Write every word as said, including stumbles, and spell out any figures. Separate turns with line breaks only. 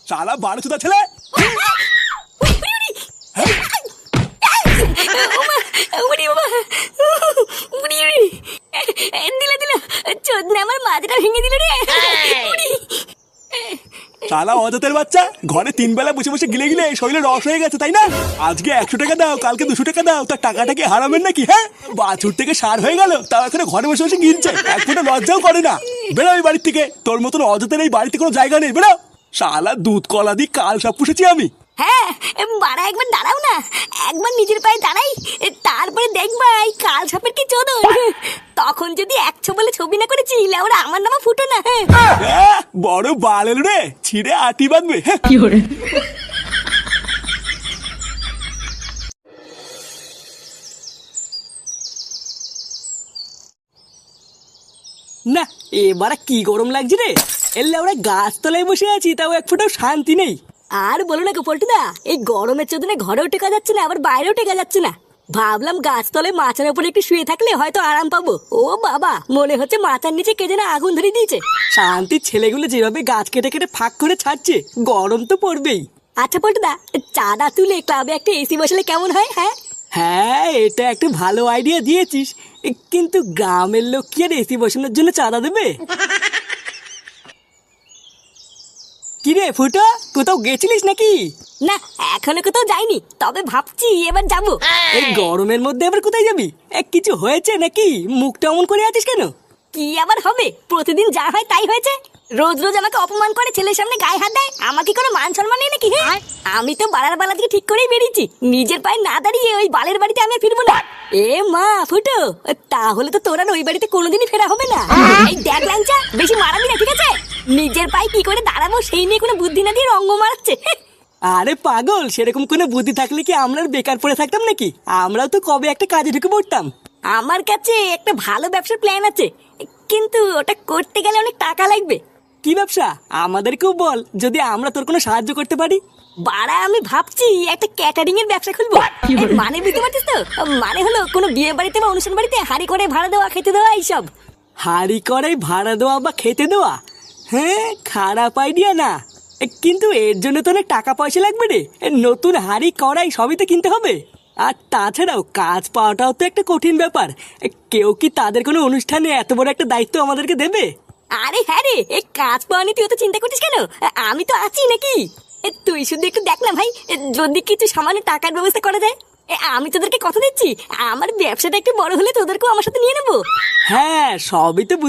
শালা বারো চোদা ছেলে।
আমার মাথাটা ভেঙে দিল রে।
শালা অজাতের বাচ্চা, ঘরে তিন বেলা বসে বসে গিলে গিলে শরীরে রস হয়ে গেছে তাই না? আজকে একশো টাকা দাও, কালকে দুশো টাকা দাও, তার টাকাটা কি হারাবেন নাকি? হ্যাঁ, বাছুর থেকে সার হয়ে গেল, তাও এখন ঘরে বসে বসে গিলছে, এক ফোঁটা লজ্জাও করে না। বেরো এই বাড়ির থেকে, তোর মতন অজাতের এই বাড়িতে কোনো জায়গা নেই, বেরো। শালা দুধ কলা দিয়ে কাল সব পুষেছি আমি।
হ্যাঁ, বাড়া একবার দাঁড়াও না, একবার নিজের পায়ে দাঁড়াই, তারপরে দেখবা এই কাল সাপের কি চোদন। তখন যদি একশো বলে ছবি না করেছি, ওরা আমার নামা ফুটো না।
হ্যাঁ, বড় বালেল রে, ছিঁড়ে আটি বাঁধবে।
কি করে?
না, এবার কি গরম লাগছে রে। এলে আমরা গাছতলায় বসে আছি, তাও এক ফোঁটাও শান্তি নেই।
আর বলো না গোপল্টুদা, এই গরমের চোদনে ঘরেও টেকা যাচ্ছে না, আবার বাইরেও টেকা যাচ্ছে না। ভাবলাম গাছতলায় মাচার উপরে একটু শুয়ে থাকলে হয়তো আরাম পাবো। ও বাবা, মনে হচ্ছে মাথার নিচে কে যেন আগুন ধরে দিয়েছে।
শান্তির ছেলেগুলো যেভাবে গাছ কেটে কেটে ফাঁক করে ছাড়ছে, গরম তো পড়বেই।
আচ্ছা পল্টুদা, চাঁদা তুলে ক্লাবে একটা এসি বসালে কেমন হয়? হ্যাঁ
হ্যাঁ, এটা একটা ভালো আইডিয়া দিয়েছিস, কিন্তু গ্রামের লোক কি আর এসি বসানোর জন্য চাঁদা দেবে? কিরে ফুটো, কোথাও গেছিলিস নাকি?
না, এখনো কোথাও যাইনি, তবে ভাবছি এবার যাবো।
এই গরমের মধ্যে আবার কোথায় যাবি? এক কিছু হয়েছে নাকি? মুখটা অমন করে আছিস কেন?
কি আবার হবে, প্রতিদিন যা হয় তাই হয়েছে। রোজ রোজ আমাকে অপমান করে, ছেলের সামনে গায়ে হাত দেয়, আমাকে কোনো মান সম্মান নেই নাকি? হ্যাঁ, আমি তো বাড়ার বালা থেকে ঠিক করেই বেরিয়েছি, নিজের পায়ে না দাঁড়িয়ে ওই বালের বাড়িতে আমি আর ফিরবো না। এ মা ফুটো, তাহলে তো তোর আর ওই বাড়িতে কোনোদিনই ফেরা হবে না। এই দেখ ল্যাংচা, বেশি মারাবি না, ঠিক আছে? নিজের পায়ে কি করে দাঁড়াবো সেই নিয়ে কোনো বুদ্ধি না দিয়ে রঙ্গ মারাচ্ছে।
আরে পাগল, সেরকম কোনো বুদ্ধি থাকলে কি আমরা আর বেকার পড়ে থাকতাম নাকি? আমরাও তো কবে একটা কাজে ঢুকে পড়তাম।
আমার কাছে একটা ভালো ব্যবসার প্ল্যান আছে, কিন্তু ওটা করতে গেলে অনেক টাকা লাগবে।
কি ব্যবসা? আমাদেরকেও বল, যদি আমরা তোর কোনো সাহায্য করতে পারি।
বাড়া, আমি ভাবছি একটা ক্যাটারিং এর ব্যবসা খুলবো। মানে বুঝতে পারছিস তো? মানে হলো কোনো বিয়ে বাড়িতে বা অনুষ্ঠান বাড়িতে হাঁড়ি করে ভাড়া দেওয়া, খেতে দেওয়া, এইসব।
হাঁড়ি করাই ভাড়া দেওয়া বা খেতে দেওয়া? হ্যাঁ, খারাপ আইডিয়া না, কিন্তু এর জন্য তো অনেক টাকা পয়সা লাগবে রে। নতুন হাঁড়ি কড়াই সবই তো কিনতে হবে। আর তাছাড়াও কাজ পাওয়াটাও তো একটা কঠিন ব্যাপার। কেউ কি তাদের কোনো অনুষ্ঠানে এত বড় একটা দায়িত্ব আমাদেরকে দেবে?
আরে হ্যাঁ রে, এই কাজ পাওয়া নিয়ে তুই তো চিন্তা করছিস কেন? আমি তো আছি নাকি? তুই শুধু একটু দেখ না ভাই, যদি কিছু সামান্য টাকার ব্যবস্থা করা যায়। আমি তোদেরকে কথা দিচ্ছি, আমার ব্যবসাটা একটু বড় হলে তোদেরকেও আমার সাথে নিয়ে নেবো।
হ্যাঁ, সবই তো